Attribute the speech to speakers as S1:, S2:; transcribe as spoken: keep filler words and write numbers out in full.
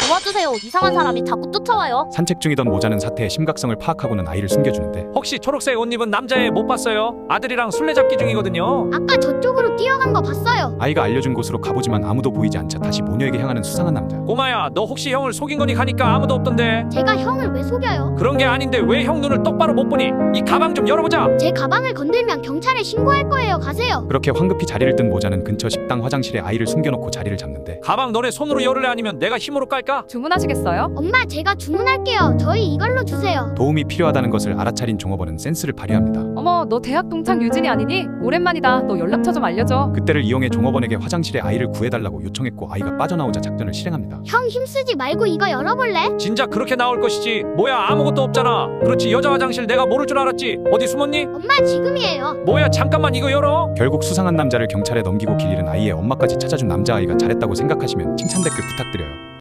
S1: 도와주세요. 이상한 사람이 자꾸 쫓아와요.
S2: 산책 중이던 모자는 사태의 심각성을 파악하고는 아이를 숨겨주는데
S3: 혹시 초록색 옷 입은 남자애 못 봤어요? 아들이랑 술래잡기 중이거든요.
S4: 아까 저쪽으로 뛰어간 거 봤어요.
S2: 아이가 알려준 곳으로 가보지만 아무도 보이지 않자 다시 모녀에게 향하는 수상한 남자.
S3: 꼬마야, 너 혹시 형을 속인 거니 가니까 아무도 없던데.
S4: 제가 형을 왜 속여요?
S3: 그런 게 아닌데 왜 형 눈을 똑바로 못 보니? 이 가방 좀 열어보자.
S4: 제 가방을 건들면 경찰에 신고할 거예요. 가세요.
S2: 그렇게 황급히 자리를 뜬 모자는 근처 식당 화장실에 아이를 숨겨놓고 자리를 잡는데
S3: 가방 너네 손으로 열을래 아니면 내가 힘으로 깔까?
S5: 주문하시겠어요?
S4: 엄마, 제가 주문할게요. 저희 이걸로 주세요.
S2: 도움이 필요하다는 것을 알아차린 종업원은 센스를 발휘합니다.
S5: 어머, 너 대학 동창 유진이 아니니? 오랜만이다. 너 연락처 좀 알려줘.
S2: 그때를 이용해 종업원에게 화장실에 아이를 구해달라고 요청했고 아이가 빠져나오자 작전을 실행합니다.
S4: 형 힘쓰지 말고 이거 열어볼래?
S3: 진작 그렇게 나올 것이지. 뭐야, 아무것도 없잖아. 그렇지, 여자 화장실 내가 모를 줄 알았지. 어디 숨었니?
S4: 엄마, 지금이에요.
S3: 뭐야, 잠깐만 이거 열어.
S2: 결국 수상한 남자를 경찰에 넘기고 길 잃은 아이의 엄마까지 찾아준 남자아이가 잘했다고 생각하시면 칭찬 댓글 부탁드려요.